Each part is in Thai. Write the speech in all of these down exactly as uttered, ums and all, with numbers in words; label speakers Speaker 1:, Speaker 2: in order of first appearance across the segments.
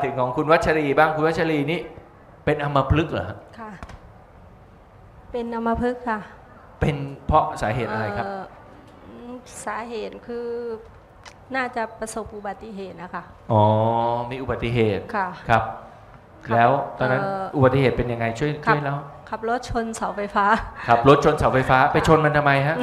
Speaker 1: ถึงของคุณวัชรีบ้างคุณวัชรีนี่เป็นอัมพฤกษ์เหรอฮะ
Speaker 2: ค่ะเป็นอัมพฤกษ์ค่ะ
Speaker 1: เป็นเพราะสาเหตุอะไรครับ
Speaker 2: สาเหตุคือน่าจะประสบอุบัติเหตุนะคะ
Speaker 1: อ๋อมีอุบัติเหตุ
Speaker 2: ค่ะ
Speaker 1: ครับแล้วตอนนั้นอุบัติเหตุเป็นยังไงช่วยช่วยแล้ว
Speaker 2: ขับรถชนเสาไฟฟ้า
Speaker 1: ขับรถชนเสาไฟฟ้าไปชนมันทำไมฮะ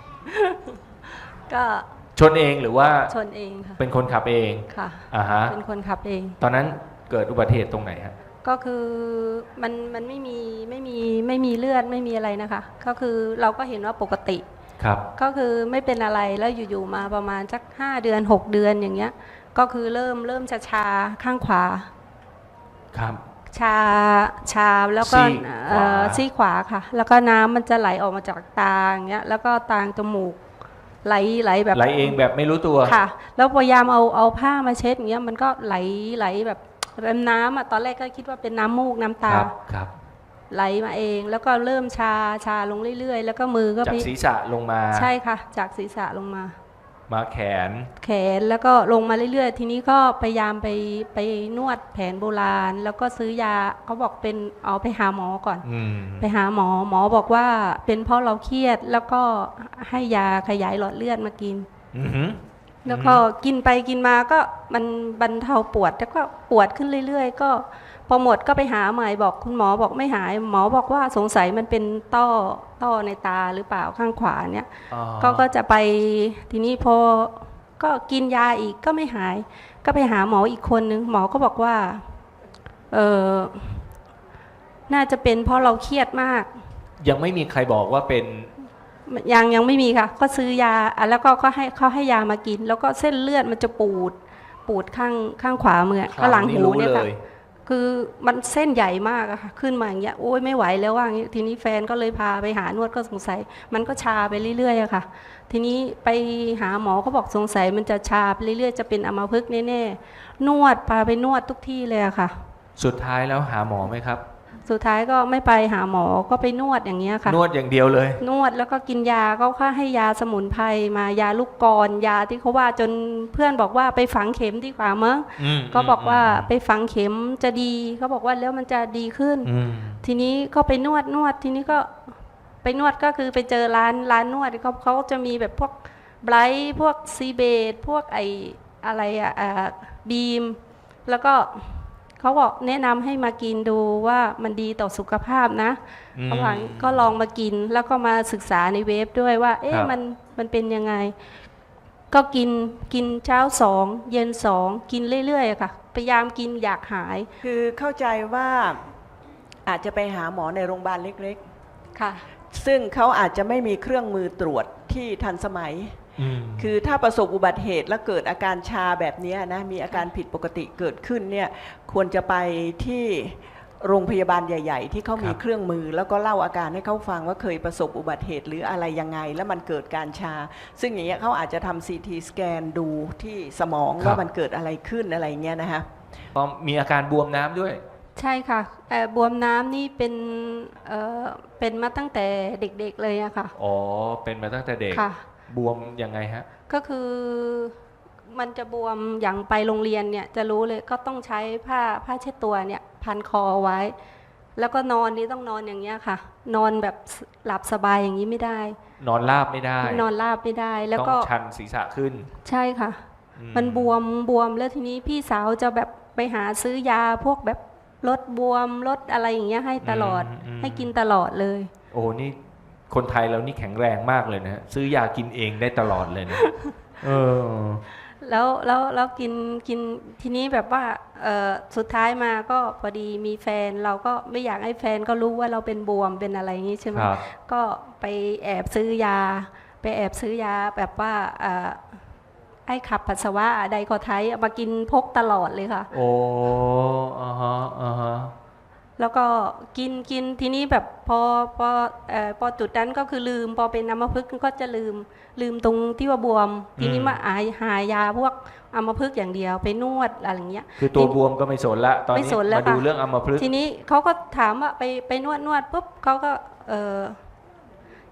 Speaker 2: ก็
Speaker 1: ชนเองหรือว่า
Speaker 2: ชนเองค่ะ
Speaker 1: เป็นคนขับเอง
Speaker 2: ค่ะ
Speaker 1: อ่าฮะ
Speaker 2: เป็นคนขับเอง
Speaker 1: ตอนนั้นเกิดอุบัติเหตุตรงไหนฮะ
Speaker 2: ก็คือมันมันไม่มีไม่มีไม่มีเลือดไม่มีอะไรนะคะก็คือเราก็เห็นว่าปกติ
Speaker 1: ครับ
Speaker 2: ก็คือไม่เป็นอะไรแล้วอยู่ๆมาประมาณสักห้าเดือนหกเดือนอย่างเงี้ยก็คือเริ่มเริ่มจะชาข้างขวา
Speaker 1: ครับ
Speaker 2: ชาชาแล้วก็ซี่ขวาค่ะแล้วก็น้ำมันจะไหลออกมาจากตาอย่างเงี้ยแล้วก็ตางจมูกไหลไหลแบบ
Speaker 1: ไหลเองแบบไม่รู้ตัว
Speaker 2: ค่ะแล้วพยายามเอาเอาผ้ามาเช็ดอย่างเงี้ยมันก็ไหลไหลแบบน้ำอ่ะตอนแรกก็คิดว่าเป็นน้ำมูกน้ำตา
Speaker 1: ครับ
Speaker 2: ไหลมาเองแล้วก็เริ่มชาชาลงเรื่อยๆแล้วก็มือก็
Speaker 1: จากศีรษะลงมา
Speaker 2: ใช่ค่ะจากศีรษะลงมา
Speaker 1: มาแขน
Speaker 2: แขนแล้วก็ลงมาเรื่อยๆทีนี้ก็พยายามไปไปนวดแผนโบราณแล้วก็ซื้อยาเขาบอกเป็นเอาไปหาหมอก่อนไปหาหมอหมอบอกว่าเป็นเพราะเราเครียดแล้วก็ให้ยาขยายหลอดเลือดมากินแล้วก็กินไปกินมาก็มันบรรเทาปวดแล้วก็ปวดขึ้นเรื่อยๆก็พอหมดก็ไปหาใหม่บอกคุณหมอบอกไม่หายหมอบอกว่าสงสัยมันเป็นต้อต้อในตาหรือเปล่าข้างขวาเนี่ยก็ก็จะไปทีนี้พอก็กินยาอีกก็ไม่หายก็ไปหาหมออีกคนนึงหมอก็บอกว่าเออน่าจะเป็นเพราะเราเครียดมาก
Speaker 1: ยังไม่มีใครบอกว่าเป็น
Speaker 2: ยังยังไม่มีค่ะก็ซื้อยาแล้วก็เขาให้เขาให้ยามากินแล้วก็เส้นเลือดมันจะปูดปูดข้างข้างขวามือก็หลังหูเนี่ยค่ะคือมันเส้นใหญ่มากอะค่ะขึ้นมาอย่างเงี้ยโอ้ยไม่ไหวแล้วว่างี้ทีนี้แฟนก็เลยพาไปหานวดก็สงสัยมันก็ชาไปเรื่อยๆอะค่ะทีนี้ไปหาหมอเขาบอกสงสัยมันจะชาไปเรื่อยๆจะเป็นอัมพฤกษ์แน่ๆนวดพาไปนวดทุกที่เลยอะค่ะ
Speaker 1: สุดท้ายแล้วหาหมอไหมครับ
Speaker 2: สุดท้ายก็ไม่ไปหาหมอก็ไปนวดอย่างเงี้ยค่ะ
Speaker 1: นวดอย่างเดียวเลย
Speaker 2: นวดแล้วก็กินยาเขาค่าให้ยาสมุนไพรมายาลูกกรอนยาที่เขาว่าจนเพื่อนบอกว่าไปฝังเข็มดีกว่ามั้งก็บอกว่าไปฝังเข็มจะดีเขาบอกว่าแล้วมันจะดีขึ้นทีนี้ก็ไปนวดนวดทีนี้ก็ไปนวดก็คือไปเจอร้านร้านนวดเขาเขาจะมีแบบพวกไบรท์พวกซีเบดพวกไออะไรอะบีมแล้วก็เขาบอกแนะนำให้มากินดูว่ามันดีต่อสุขภาพนะเขาบอกก็ลองมากินแล้วก็มาศึกษาในเว็บด้วยว่าเอ๊ะมันมันเป็นยังไงก็กินกินเช้าสองเย็นสองกินเรื่อยๆค่ะพยายามกินอยากหาย
Speaker 3: คือเข้าใจว่าอาจจะไปหาหมอในโรงพยาบาลเล็กๆค่ะซึ่งเขาอาจจะไม่มีเครื่องมือตรวจที่ทันสมัยคือถ้าประสบอุบัติเหตุแล้วเกิดอาการชาแบบนี้นะมีอาการผิดปกติเกิดขึ้นเนี่ยควรจะไปที่โรงพยาบาลใหญ่ๆที่เขามีเครื่องมือแล้วก็เล่าอาการให้เขาฟังว่าเคยประสบอุบัติเหตุหรืออะไรยังไงแล้วมันเกิดการชาซึ่งอย่างเงี้ยเขาอาจจะทำซีทีสแกนดูที่สมองว่ามันเกิดอะไรขึ้นอะไรเงี้ยนะคะ
Speaker 1: ก็มีอาการบวมน้ำด้วย
Speaker 2: ใช่ค่ะบวมน้ำนี่เป็นเอ่อเป็นมาตั้งแต่เด็กๆเลยอะค่ะ
Speaker 1: อ๋อเป็นมาตั้งแต่เด็กบวมยังไงฮะ
Speaker 2: ก็คือมันจะบวมอย่างไปโรงเรียนเนี่ยจะรู้เลยก็ต้องใช้ผ้าผ้าเช็ดตัวเนี่ยพันคอไว้แล้วก็นอนนี่ต้องนอนอย่างเงี้ยค่ะนอนแบบหลับสบายอย่างนี้ไม่ได้
Speaker 1: นอนราบไม่ได้
Speaker 2: นอนราบไม่ได้แล้วก็
Speaker 1: ต้องชันศีรษะขึ้น
Speaker 2: ใช่ค่ะมันบวมบวมแล้วทีนี้พี่สาวจะแบบไปหาซื้อยาพวกแบบลดบวมลดอะไรอย่างเงี้ยให้ตลอดให้กินตลอดเลย
Speaker 1: โอ้นี่คนไทยเรานี่แข็งแรงมากเลยนะซื้อยากินเองได้ตลอดเลยนะเออ
Speaker 2: แล้วแล้วแล้วกินกินทีนี้แบบว่าเออสุดท้ายมาก็พอดีมีแฟนเราก็ไม่อยากให้แฟนก็รู้ว่าเราเป็นบวมเป็นอะไรอย่างนี้ใช่ไหมก็ไปแอบซื้อยาไปแอบซื้อยาแบบว่าไอ้ขับปัสสาวะไดคอไทป์มากินพกตลอดเลยค่ะ
Speaker 1: โอ้อ่าฮะอ่าฮะ
Speaker 2: แล้วก็กินกินทีนี้แบบพอพอเอ่อพอจุดนั้นก็คือลืมพอเป็นอัมพฤกษ์ก็จะลืมลืมตรงที่ว่าบวมทีนี้มาหาหายาพวกอัมพฤกษ์อย่างเดียวไปนวดอะไรอย่างเงี้ย
Speaker 1: คือตัวบวมก็ไม่สนละตอนนี้มาดูเรื่องอัมพฤกษ์
Speaker 2: ทีนี้เขาก็ถามว่าไปไปนวดนวดปุ๊บเขาก็เออ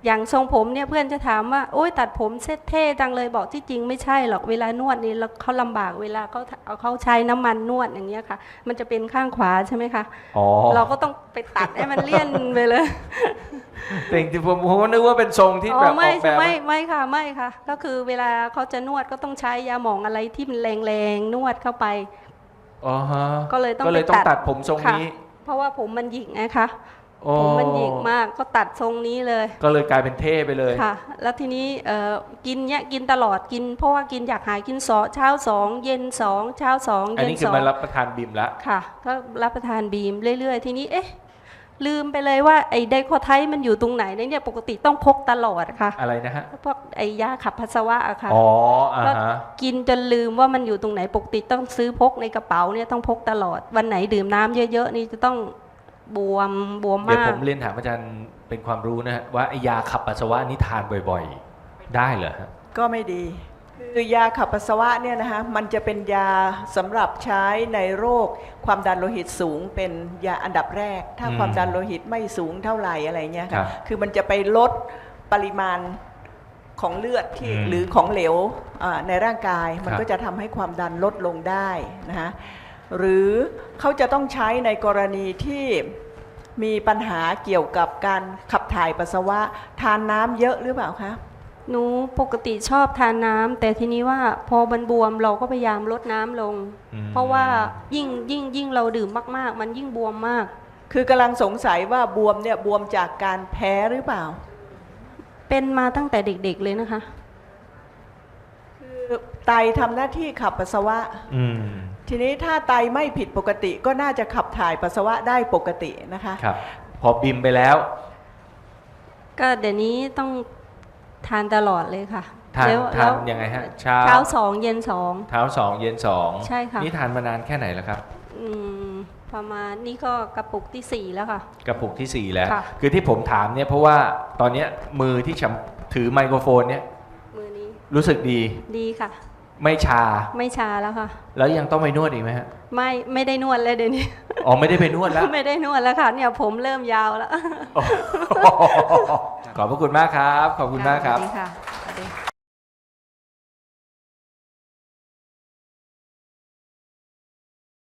Speaker 2: อย่างทรงผมเนี่ยเพื่อนจะถามว่าโอ๊ยตัดผมเซ็ตเท่จังเลยบอกที่จริงไม่ใช่หรอกเวลานวดนี่แล้วเขาลำบากเวลาเขาเอาเขาใช้น้ำมันนวดอย่างเงี้ยค่ะมันจะเป็นข้างขวาใช่ไหมคะ
Speaker 1: อ๋อ
Speaker 2: เราก็ต้องไปตัดให้มันเลี่ยนไปเลย
Speaker 1: แต่จริงๆผมผมก็นึกว่าเป็นทรงที่
Speaker 2: อ๋
Speaker 1: แบบ
Speaker 2: อ
Speaker 1: อ
Speaker 2: ไม่
Speaker 1: อกแบบ
Speaker 2: ไม่ไม่ค่ะไม่ค่ะ ก็คือเวลาเขาจะนวดก็ต้องใช้ยาหมองอะไรที่มันแรงๆนวดเข้าไป
Speaker 1: อ๋อฮะ
Speaker 2: ก็เลยต้อง
Speaker 1: ก็เลย
Speaker 2: ไป
Speaker 1: ต้อง
Speaker 2: ตัด
Speaker 1: ตัดผมทรง
Speaker 2: ค่ะ
Speaker 1: นี้
Speaker 2: เพราะว่าผมมันหยิกนะคะ
Speaker 1: โอ้
Speaker 2: ผมมันหยิกมากก็ตัดทรงนี้เลย
Speaker 1: ก็เลยกลายเป็นเท่ไปเลย
Speaker 2: ค่ะ แล้วทีนี้เอ่อกินเนี้ยกินตลอดกิน เพราะว่ากินอยากหายกินสอเช้าสองเย็นสองเช้าสอง
Speaker 1: อัน
Speaker 2: เย็น
Speaker 1: นี้คื
Speaker 2: ส
Speaker 1: อ
Speaker 2: อง
Speaker 1: มารับประทานบิมแล้ว
Speaker 2: ค่ะ ก็รับประทานบีมเรื่อยๆ ทีนี้เอ๊ะลืมไปเลยว่าไอ้ไดโคไทด์มันอยู่ตรงไหนเนี่ยปกติต้องพกตลอดค่ะ
Speaker 1: อะไรนะฮะ
Speaker 2: พวกไอ้ยาขับปัสสาวะอะค่ะ
Speaker 1: อ๋ออ่า
Speaker 2: ก็
Speaker 1: ฮะ
Speaker 2: กินจนลืมว่ามันอยู่ตรงไหนปกติต้องซื้อพกในกระเป๋าเนี่ยต้องพกตลอดวันไหนดื่มน้ำเยอะๆนี่จะต้องบวมบวม
Speaker 1: เดี๋ยว
Speaker 2: มา
Speaker 1: ผ
Speaker 2: ก
Speaker 1: มเรียนถามอาจารย์เป็นความรู้นะฮะว่าไอ้ยาขับปัสสาวะนี่ทานบ่อยๆ ได้เหรอฮะ
Speaker 3: ก็ไม่ดี คือยาขับปัสสาวะเนี่ยนะคะมันจะเป็นยาสำหรับใช้ในโรคความดันโลหิตสูงเป็นยาอันดับแรก ถ้า
Speaker 1: อืม
Speaker 3: ความดันโลหิตไม่สูงเท่าไหร่อะไรเงี้ย
Speaker 1: ครั
Speaker 3: ค่ะ
Speaker 1: บ
Speaker 3: คือมันจะไปลดปริมาณของเลือดที่
Speaker 1: อืม
Speaker 3: หรือของเหลวอ่าในร่างกายมัน
Speaker 1: ครับ
Speaker 3: ก็จะทำให้ความดันลดลงได้นะคะหรือเขาจะต้องใช้ในกรณีที่มีปัญหาเกี่ยวกับการขับถ่ายปัสสาวะทานน้ำเยอะหรือเปล่าคะ
Speaker 2: หนูปกติชอบทานน้ำแต่ทีนี้ว่าพอมันบวมเราก็พยายามลดน้ำลง
Speaker 1: อืม
Speaker 2: เพราะว่ายิ่งยิ่งยิ่งเราดื่มมากๆ มันยิ่งบวมมาก
Speaker 3: คือกำลังสงสัยว่าบวมเนี่ยบวมจากการแพ้หรือเปล่า
Speaker 2: เป็นมาตั้งแต่เด็กๆเลยนะคะ
Speaker 3: คือไตทำหน้าที่ขับปัสสาวะ
Speaker 1: อืม
Speaker 3: ทีนี้ถ้าไตไม่ผิดปกติก็น่าจะขับถ่ายปัสสาวะได้ปกตินะคะ
Speaker 1: ครับ พอบิมไปแล้ว
Speaker 2: ก็เดี๋ยวนี้ต้องทานตลอดเลยค่ะ
Speaker 1: ทาน
Speaker 2: แล้ว
Speaker 1: ทา
Speaker 2: แล้
Speaker 1: น
Speaker 2: ว
Speaker 1: ยังไงฮะ เช้า
Speaker 2: เช้าสองเย็นสอง
Speaker 1: เช้าสองเย็นสอง
Speaker 2: ใช่ค่ะ
Speaker 1: นี่ทานมานานแค่ไหนแล้วครับ
Speaker 2: อืมประมาณนี่ก็กระปุกที่สี่แล้วค่ะ
Speaker 1: กระปุกที่สี่แล้ว
Speaker 2: ค่ะ
Speaker 1: คือที่ผมถามเนี่ยเพราะว่าตอนเนี้ยมือที่ฉันถือไมโครโฟนเนี่ย
Speaker 2: มือนี้
Speaker 1: รู้สึกดี
Speaker 2: ดีค่ะ
Speaker 1: ไม่ชา
Speaker 2: ไม่ชาแล้วค่ะ
Speaker 1: แล้วยังต้องไปนวดอีกไหมฮะ
Speaker 2: ไม่ไม่ได้นวดเลยเดี๋ยวนี้
Speaker 1: อ๋อไม่ได้ไปนวดแล้ว
Speaker 2: ไม่ได้นวดแล้วค่ะเนี่ยผมเริ่มยาวแล้ว
Speaker 1: ขอบพระคุณมากครับ ขอบคุณมากครับ
Speaker 2: สวัสดีค่ะสวัสดี